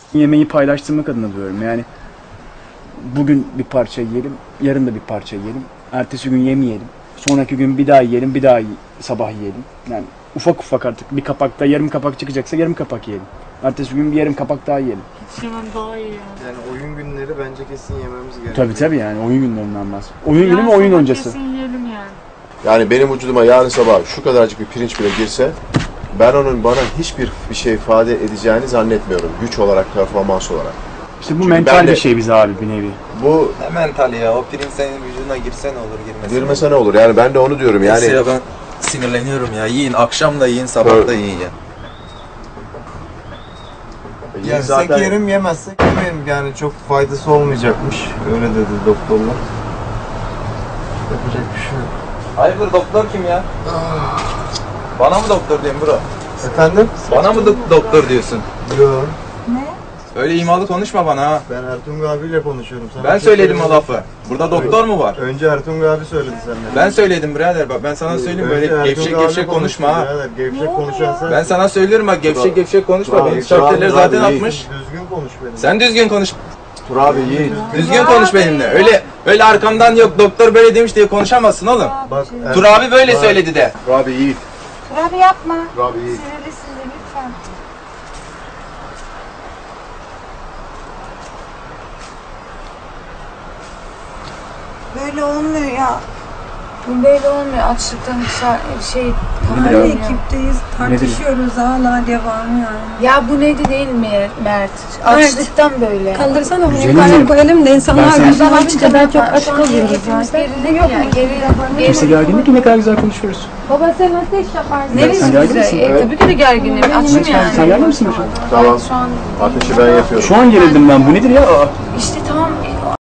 Yemeği paylaştırmak adına diyorum yani. Bugün bir parça yiyelim, yarın da bir parça yiyelim. Ertesi gün yemeyelim. Sonraki gün bir daha yiyelim, bir daha sabah yiyelim. Yani ufak ufak artık bir kapakta yarım kapak çıkacaksa yarım kapak yiyelim. Ertesi gün bir yarım kapak daha yiyelim. Hiç yemem daha iyi ya. Yani oyun günleri bence kesin yememiz gerekiyor. Tabii yani oyun günlerinden bahsediyorum. Oyun günü mü oyun öncesi? Kesin yiyelim yani. Yani benim vücuduma yarın sabah şu kadarcık bir pirinç bile girse ben onun bana hiçbir şey ifade edeceğini zannetmiyorum. Güç olarak, performans olarak. İşte bu Çünkü mental ben de- bir şey bize abi bir nevi. Bu Ne mentali ya, o pirinç senin vücuduna girse ne olur, girmese girmese ne olur? Yani ben de onu diyorum yani. Ya ben sinirleniyorum ya, yiyin, akşam da yiyin, sabah da yiyin ya. Yersek zaten- yerim, yemezsek yemeyelim, yani çok faydası olmayacakmış. Öyle dedi doktorlar. Yapacak bir şey yok. Hayırdır, doktor kim ya? Bana mı doktor diyorsun bro? Efendim? Bana mı doktor diyorsun? Yok. Öyle imalı konuşma bana ha. Ben Ertuğrul abiyle konuşuyorum. Sana Ben bir şey söyledim o söylemedim. lafı. Burada doktor mu var? Önce Ertuğrul abi söyledi senden. Ben söyledim birader, bak ben sana söyleyeyim, böyle Ertuğrul gevşek abi gevşek konuşma ha. konuştu birader, gevşek konuşan sen. Ben sana söylüyorum bak, gevşek gevşek konuşma. Bravo, Benim şartları bravo, zaten bravo, iyi. atmış. Düzgün konuş benimle. Sen düzgün konuş. Tur abi yiyin. Düzgün konuş benimle. Öyle arkamdan yok doktor böyle demiş diye konuşamazsın oğlum. Bak, Tur abi böyle söyledi de. Tur abi yiyin. Abi yapma. Tur abi yiyin. Sinirlisin de lütfen. Böyle olmuyor ya. Bu böyle olmuyor. Açlıktan şey Nedir Aynı abi? ekipteyiz. Tartışıyoruz hala devam yani. Ya bu neydi değil mi Mert? Açlıktan böyle. Kaldırsana bunu Güzelim yukarı benim. koyalım da insanlar Ben sana- bizden açınca daha çok aç Şu an kalıyoruz hareketimiz zaten. gerilim ya. Kimse gergin değil ki ne kadar güzel konuşuyoruz. Baba sen ateş yaparsın. Neresi Sen gergin güzel? misin? Tabii ki de gerginim. Açım yani. Sen gergin misin şu an? Tamam. Şu an Ateşi ben yapıyorum. Şu an gerildim ben bu nedir ya? Aa. işte tamam